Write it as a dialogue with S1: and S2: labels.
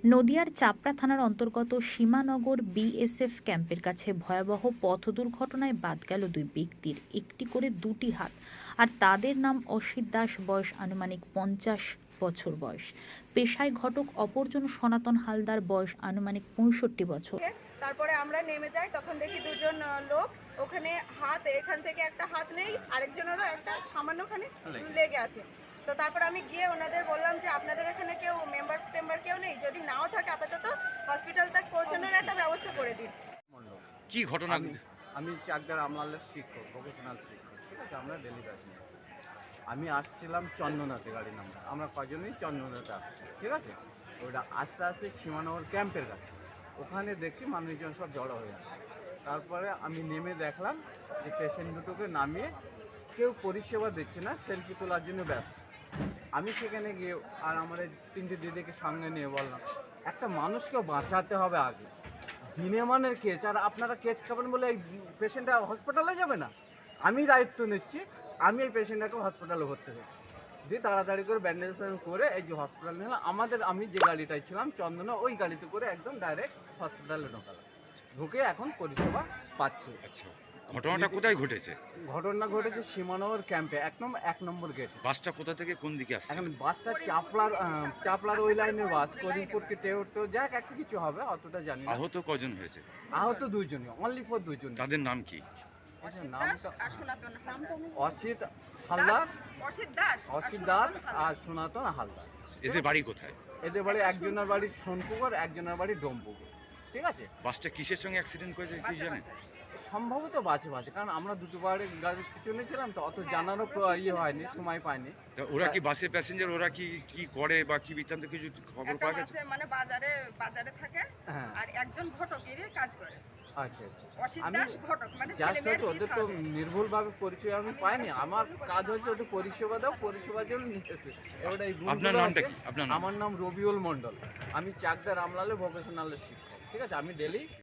S1: নদিয়ার চাপড়া থানার অন্তর্গত সীমানগর বিএসএফ ক্যাম্পের কাছে ভয়াবহ পথ দুর্ঘটনায় বাদ গেল দুই ব্যক্তির, একটি করে দুটি হাত। আর তাদের নাম অসিত দাস, বয়স আনুমানিক 50 বছর বয়স। পেশায় ঘটক, অপরজন সনাতন হালদার, বয়স আনুমানিক 65 বছর।
S2: তারপরে আমরা নেমে যাই, তখন দেখি দুজন লোক ওখানে হাত, এখান থেকে একটা হাত নেই, আরেকজনেরও একটা সামান্যখানে লেগে আছে। তো তারপর আমি গিয়ে ওনাদের বললাম যে আপনাদের এখানে কেউ মেম্বার কেউ নেই, যদি নাও থাকে আপাতত হসপিটাল তক পৌঁছানোর একটা ব্যবস্থা করে দিন।
S3: কি ঘটনা?
S4: আমি চাকদার আমলালের শিক্ষক, প্রফেশনাল শিক্ষক, ঠিক আছে। আমরা ডেলি কাজে আমি আসছিলাম চন্দনাতে, গাড়ি নাম্বার আমরা কজনই চন্দনাতে আসছি, ঠিক আছে। ওটা আস্তে আস্তে সীমানগর ক্যাম্পের কাছে, ওখানে দেখছি মানুষজন সব জড়ো হয়ে আছে। তারপরে আমি নেমে দেখলাম যে পেশেন্ট দুটোকে নামিয়ে কেউ পরিষেবা দিচ্ছে না, সেলফি তোলার জন্য ব্যস্ত। আমি সেখানে গিয়ে আর আমার তিনটে দিদিকে সঙ্গে নিয়ে বললাম একটা মানুষকে বাঁচাতে হবে আগে, দিনে মানের কেস, আর আপনারা কেস খাবেন বলে এই পেশেন্টটা হসপিটালে যাবে না। আমি দায়িত্ব নিচ্ছি, আমি এই পেশেন্টটাকে হসপিটালে ভর্তি হয়েছি, দিয়ে তাড়াতাড়ি করে ব্যান্ডেজ করে এই যে হসপিটাল নিলাম। আমি যে গাড়িটায় ছিলাম চন্দনা, ওই গাড়িতে করে একদম ডাইরেক্ট হসপিটালে ঢোকালাম, ঢুকে এখন পরিষেবা পাচ্ছি।
S3: আচ্ছা, ঘটনাটা কোথায় ঘটেছে?
S4: ঘটনা ঘটেছে সীমানগর ক্যাম্পে, একদম 1 নম্বর গেট।
S3: বাসটা কোথা থেকে কোন দিকে আসছে?
S4: এখন বাসটা চাপলার ওই লাইনের বাস, করিমপুরকে টেউটো যাক একটা কিছু হবে, অতটা জানি না।
S3: আহত কজন হয়েছে?
S4: আহত দুইজনই, অনলি ফর দুইজন।
S3: তাদের নাম কি?
S4: নামটা অসিত দাস আর সনাতন হালদার।
S3: এদের বাড়ি কোথায়?
S4: এদের বাড়ি একজনের বাড়ি সোনপুকুর, একজনের বাড়ি ডোমপুকুর, ঠিক আছে।
S3: বাসটা কিসের সঙ্গে অ্যাক্সিডেন্ট করেছে কি জানেন?
S4: সম্ভবত বাজে, কারণ আমরা দুটো গাড়ির পিছনে ছিলাম, তো অত জানারও হয়নি, সময় পাইনি।
S3: তা ওরা কি বাসের প্যাসেঞ্জার, ওরা কি কি করে বা কি বৃত্তান্ত কিছু খবর পাওয়া গেছে?
S2: মানে বাজারে থাকে,
S4: হ্যাঁ,
S2: আর একজন ঘটকের কাজ করে।
S4: আচ্ছা
S2: অসিত
S4: আমি
S2: দাস ঘটক, মানে
S4: জাস্ট হচ্ছে ওদের তো নির্ভুলভাবে পরিচয় আমি পাইনি। আমার কাজ হচ্ছে ওদের পরিষেবা দাও, পরিষেবার জন্য নিয়ে এসেছি। এবারে এই
S3: আপনার নামটা কি? আপনার নাম?
S4: আমার নাম রবিউল মণ্ডল, আমি চাকদার আমলালে ভোকেশনালের শিক্ষক, ঠিক আছে। আমি ডেলি